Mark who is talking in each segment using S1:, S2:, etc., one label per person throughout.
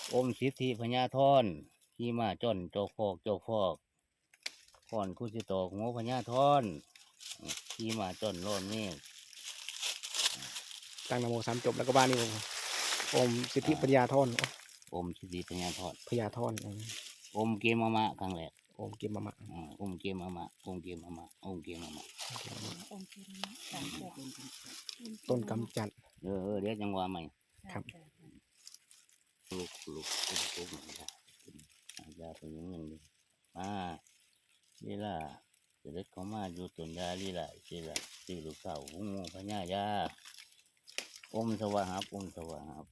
S1: อมสิทธิพญาธรขี่มาจ้อนเจ้าฟอกก่อนคุสิตอกหัวพญาธรขี่มาจ้อนร้อนนี่
S2: ตั้งนะโมสามจบแล้วก็บ้านนี่ผมโอมสิทธิปัญญาธร
S1: อมสิทธิพญาธร
S2: พญาธร
S1: อมเกมมะครั้งแรก
S2: โอมเกมมามะ
S1: อมเกมมะอมเกมมะอมเกมมะ
S2: ต้นกำจัด
S1: เดี๋ยวจังหวะใหม่
S2: ครับ
S1: ลูกยาเป็นอย่างนี้ลีลาเสด็จเขามาอยู่ต้นยาลีลาลีลาตีลูกสาวหุงพญายาอมสวะหับอมสวะหับ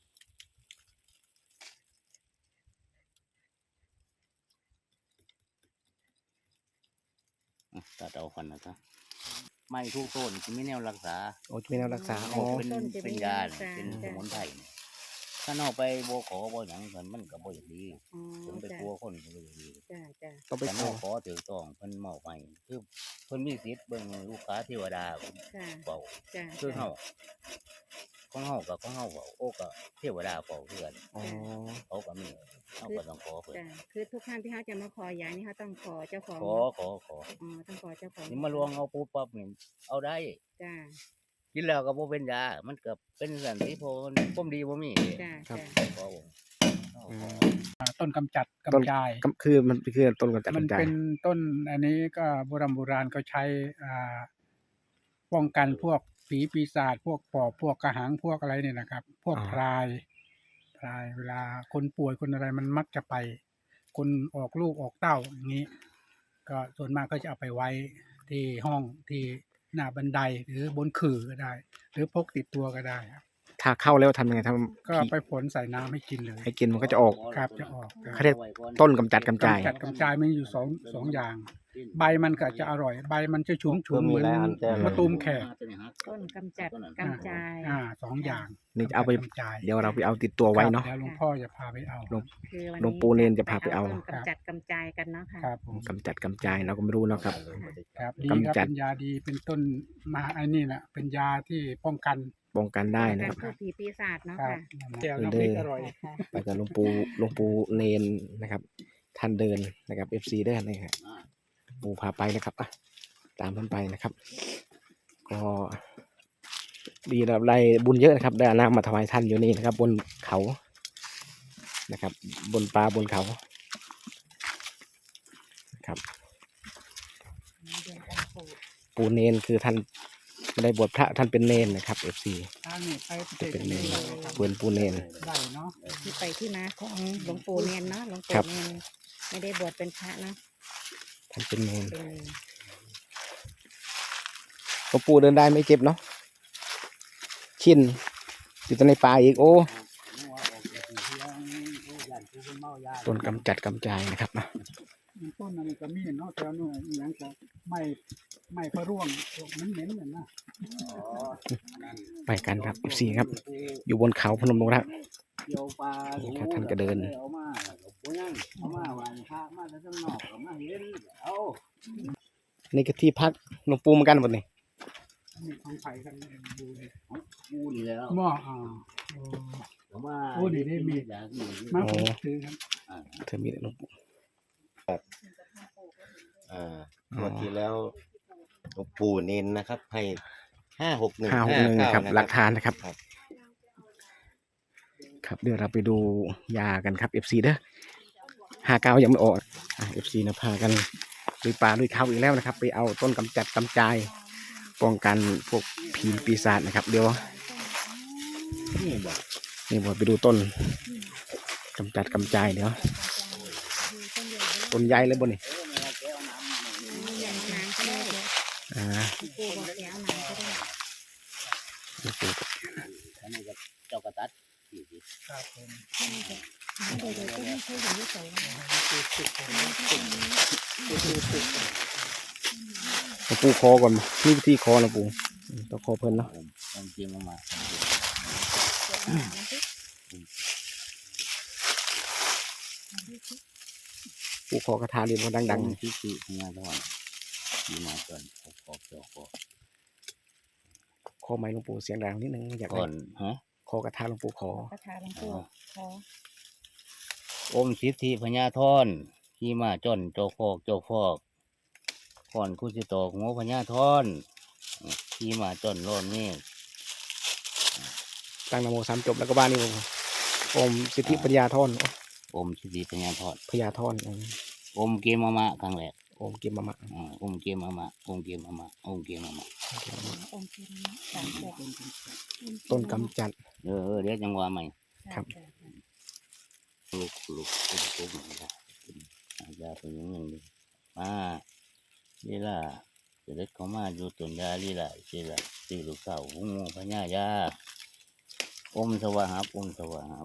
S1: ตัดเอาฟันนะครับไม่ทุกต้นจะไม่แนวรักษา
S2: โอ้จะมีแนวรักษาอ๋อ
S1: เป็นยาเป็นสมุนไพรถ้าเอาไปโบขอโบหยังมันก็บ่อย่างดีถึงไปกลัวคนก็บ่อย่างดี
S2: ต้องไป
S1: แต่
S2: ข
S1: น
S2: อ
S1: อกขอถือต้องเพิ่นมอบให้คือเพิ่นมีสิทธิ์เบิ่งลูกค้าเทวดาเป่าคือเฮาของเฮากับของเฮาเป่าโอ้ก็เทวดาเป่าคือกัน
S2: อ๋อ
S1: เขาก็มีเฮาก็ต้องขอเพิ่น
S3: คือทุกครั้งที่เขาจะมาขอยานี่เขาต้องขอเจ้าของ
S1: ขอ
S3: ต้องขอเจ้าของ
S1: นี่มาลวงเอาปุ๊บปั๊บนี่เอาได้
S3: จ้า
S1: กินแล้วก็บ่เป็นยามันก็เป็นสันติโพนความดีบ่มี
S3: จ้า
S2: ครับ
S1: ขอผม
S4: ต้นกำจัด
S2: ต้น
S4: กำจาย
S2: คือมันคือต้นกำจัด
S4: มัน
S2: กำจัด
S4: เป็นต้นอันนี้ก็โบราณก็ใช้ป้องกันพวกผีปีศาจพวกปอบพวกกระหังพวกอะไรเนี่ยนะครับ พวกพรายเวลาคนป่วยคนอะไรมันมักจะไป คนออกลูกออกเต้าอย่างนี้ ก็ส่วนมากก็จะเอาไปไว้ที่ห้องที่หน้าบันไดหรือบนขื่อก็ได้ หรือพกติดตัวก็ได้ครับ
S2: ถ้าเข้าแล้วทำยังไงท
S4: ก็ไปผลใส่น้ำให้กินเลย
S2: ำให้กินมันก็จะออก
S4: ครับจะออก
S2: เขาเรียกต้นกำจัดกำจาย
S4: กำจัดกำจายมันอยู่สองอย่าง ใบมันก็จะอร่อย ใบมันจะชุ่มๆเหมือนมะตูมแขก
S3: ต้นกำจัดกำจาย
S4: สองอย่าง
S2: นี่จะเอาไป
S4: กำจาย
S2: เดี๋ยวเราไปเอาติดตัวไว้เนาะ
S4: ครับเดี๋ยวหลวงพ่อจะพาไปเอา
S3: คือวัน
S2: หลวง
S3: นี้
S2: ปู่เนนจะพาไปเอา
S3: ต้นกำจัดกำจายกันเนาะค่ะ
S4: ครับผม
S2: กำจัดกำจายเราก็ไม่รู้เนาะครับ
S4: ครับดี
S2: กำ
S4: ครับ
S2: จัด
S4: เป็นยาดีเป็นต้นมาไอ้นี่แหละเป็นยาที่ป้องกัน
S2: ป้องกันได้นะ
S3: กา
S2: ค
S3: ร
S2: รับ
S3: พูดผีปีศาจเนาะ
S4: ครับ
S3: ค่ะ
S4: แก้วน้ำพริกอร่อย
S2: ไปกับหลวงปู่เนนนะครับ ท่านเดินนะครับ FC ได้นะครับปู่พาไปนะครับอ่ะตามท่านไปนะครับ ก็ดีเราได้บุญเยอะนะครับ ได้เอาน้ำมาถวายท่านอยู่นี่นะครับ บนเขานะครับ บนป่าบนเขาครับ ปู่เนนคือท่านไม่ได้บวชพระท่านเป็นเนนนะครับ FC
S4: อันนี้ไป
S2: จะเป็นเนน
S4: ได้
S2: เปืนปู่เนน
S4: เนาะ
S3: ที่ไปที่มาของหลวงปู่เนียนเนาะหลวง
S2: ครั
S3: ปู่
S2: บ
S3: เนียนไม่ได้บวชเป็นพระเนาะ
S2: ท่านเป็นเนน
S3: เป็น
S2: หลวงปู่เดินได้ไม่เจ็บเนาะชินอยู่ในป่าอีกโอ้ต้นกำจัดกำจายนะครับนะ
S4: ต้นอันนี้ก็มีเนาะแต่ว่าเนี่ยอย่างก็ไม่พะร่วงเหม็นๆเนี่ยนะ
S2: ไปกันครับ FC ครับ อยู่บนเขาพนมดงรักนี่ครับท่านก็เดิน นี่ก็ที่พักหลวงปู่เหมือนกันหมดนี่
S4: นี่ของไผ่กันดูดิ
S1: กูนี่แล้ว
S4: หม้อมา
S1: มา
S4: ซื้อครับ
S2: เธอมีแต่หลวงปู่
S5: งวดที่แล้วหลวงปู่เน้นนะครับ ให้561
S2: 561นะครับหลักฐานนะครับ
S5: ครับ
S2: ครับเดี๋ยวเราไปดูยากันครับ FC เด้อ59ยังไม่ออกFC นะพากันลุยป่าลุยเขาอีกแล้วนะครับ ไปเอาต้นกำจัดกำจายป้องกันพวกผีปีศาจนะครับ เดี๋ยว
S1: นี่บอก
S2: นี่ผมไปดูต้นกำจัดกำจายเดี๋ยวต้นใหญ่เลยบนนี่
S3: ยังน้ำก็ได้ หลวงปู่บอกแล้วน้ำก็ได้
S2: หลวงปู่
S1: อันนี้ก็เจ้ากระตัดสี่สิ
S4: ครับผม
S3: น้ำโดยก็ไม่เคยเห็นที่ใส่
S2: หลวงปู่คอก่อนนี่วิธีคอหลวงปู่ต้องคอเพิ่นเนาะ
S1: ผมจริงมา
S2: ปู่คอกระทาเรียนเขาดัง
S1: ที่สี่พญาธรที่มาก่อนขอ
S2: ๆคอไม้หลวงปู่เสียงดังนิดนึงอยาก
S1: ก่
S2: ได้
S1: อนฮะ
S2: คอกระทาหลวงปู่คอ
S3: ประทานหลวงปู่ขอ
S1: อมสิทธิพญาธรขี่ม้าจ้อนโจกฟอกก่อนคุสิตอกหัวพญาธรขี่ม้าจ้อนร้อนเมฆ
S2: ตั้งนะโม3จบแล้วก็บ้านนี่ผมโอมสิทธิปัญญาธร
S1: อมสิทธิพญาธร
S2: พญาธร
S1: อมเกมามะครั้งแรก
S2: โอมเกมมะมะ
S1: อมเกมามะอมเกมามะอมเกมามะ
S3: องค์เทระสามแบบ
S2: ต้นกำจัด
S1: เดี๋ยวจังหวะใหม่
S2: ครับ
S1: ลูกนะครับอาจจะเป็นอย่างหนึ่งดิมาลีลาเสด็จเขามาอยู่ต้นยาลีลาสิละสี่ลูกสาวหุ้งพญายาอมสวาหับอมสวาหับ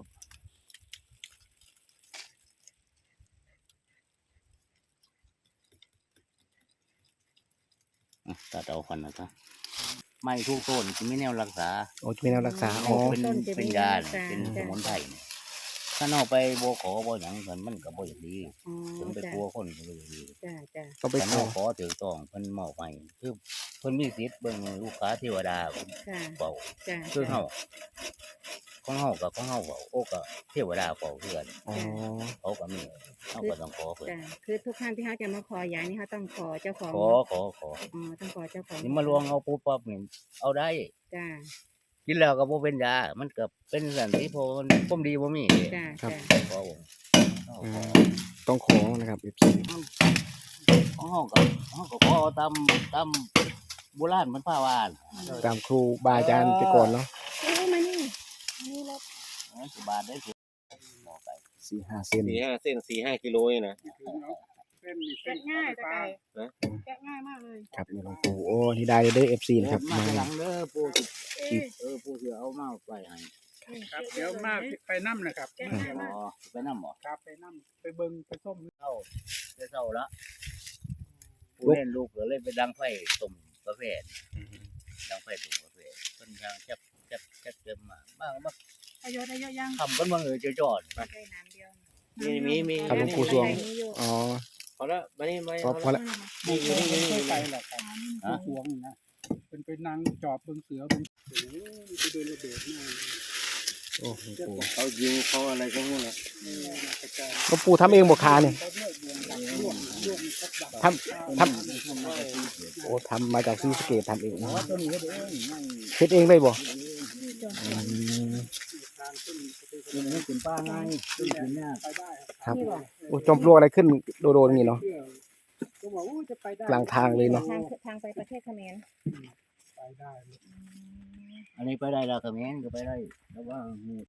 S1: ตัดเอาฟันนะครับไม่ทุกต้นที่ไม่แนวรักษา
S2: โอ้จะมีแนวรักษาอ๋อ
S1: เป็นยาเป็นสมุนไพรเนี่ยถ้าเอาไปบ่ขอบ่หยังมันก็บ่อย่างดี
S3: อ๋อ
S1: ถึงไป
S3: จ้ะ
S1: กลัวคนก็บ่อย่างดี
S3: จ้ะจ้ะ
S2: ก็ไป
S1: แต่
S2: ขอ
S1: เอาขอถือต้องเพิ่นมอบให้คือเพิ่นมีสิทธิ์เบิ่งลูกค้าเทวดา
S3: ค่ะ
S1: เฝ้า
S3: จ้ะ
S1: คือเฮาของเฮากับของเฮาเฝ้าโอ้ก็เทวดาเฝ้าคือกัน
S2: อ๋อ
S1: เขาก็มีเฮาก็ต้องขอเพิ่น
S3: จ้ะคือทุกครั้งที่เขาจะมาขอยานี่เขาต้องขอเจ้าของ
S1: ขอ
S3: อ๋อต้องขอเจ้าของ
S1: นี่มาลวงเอาปุ๊บปั๊บนี่เอาได้
S3: จ้ะ
S1: กินแล้วก็บ่เป็นยามันก็เป็นสันติโพนความดีบ่มี
S3: จ้ะ
S2: ครับ
S3: จ้ะ
S1: ขอบ่เอา
S2: อื
S1: ขอ
S2: มต้องขอนะครับFC
S1: ของเฮาก็ขอตามโบราณมันพาว่าน่ะ
S2: ตามครูบาอาจารย์แต่ก่อนเนาะ
S3: โอ้มานี่นี่รถ
S1: สิบาทได้สิบอกไป
S2: 4-5 เซน
S5: 4-5 เส้น 4-5 กิโลนี่นะ
S4: เส้นนี่
S3: แกะง่ายตะไคร้
S5: นะ
S3: แกะง่ายมากเลย
S2: ครับนี่หลวงปู่โอ้นี่ได้เลยเด้อ FC นะครับ
S1: มา
S2: มา
S1: ทีหลังเด้อปู่สิ
S3: เอ้ย
S1: ปู่สิเอามาไปให้
S4: ครับเดี๋ยวมาไปน้ำนะครับ
S3: แกะ
S1: อ๋
S3: ง่ายมาก
S1: อไปนำบ่
S4: ครับไปน้ำไปเบิ่งไปส้ม
S1: เข้าได้เช้าละผู้เล่นลูกก็เลยไปดังไฟต้มกาแฟดังไฟต้มกาแฟเพิ่นยังจับเต็มมามา
S3: อายุได้เยอะยัง
S1: ทำกันมาเจอจอด
S3: ใช้น้ำเดียว
S5: มี
S2: ครับหลวงปู่สวง อ๋อ
S5: พอละมานี่มา
S2: พอละ
S4: นี่เคยไปแหละครับผู้หวงนี่นะเป็นไปนั่งจอบเบิ่งเสือเบิ่งโอ้โหไปเดินระเบิดมาก
S2: โอ้หลวงปู่
S5: เขายิงเขาอะไรก็ไม่รู้
S4: กระจาย
S2: หลวงปู่ทำเองบ่คาเนี่ย
S4: เขาเลือกวงดักร่วงมีครบดัก
S2: ทำโอ้ทำมาจากซีสะเกตทำเองนะ
S1: ตัวนี้ก็เด้นั่ง
S2: เฮ็ดเองได้บ่อืม
S4: ทางขึ้นไป
S1: กินให้กินป้าไงกินเนี่ย
S4: ไปได้
S2: ครับโอ้จอมปลวกอะไรขึ้นโดนๆอย่างนี้เนาะ
S4: เชื่อก็บอกว่าจะไปได้
S2: กลางทางเลยเนาะ
S3: ทางไปประเทศเขมร
S4: ไปได้
S1: อันนี้ไปได้แล้วก็แม่นก็ไปได้แต่ว่า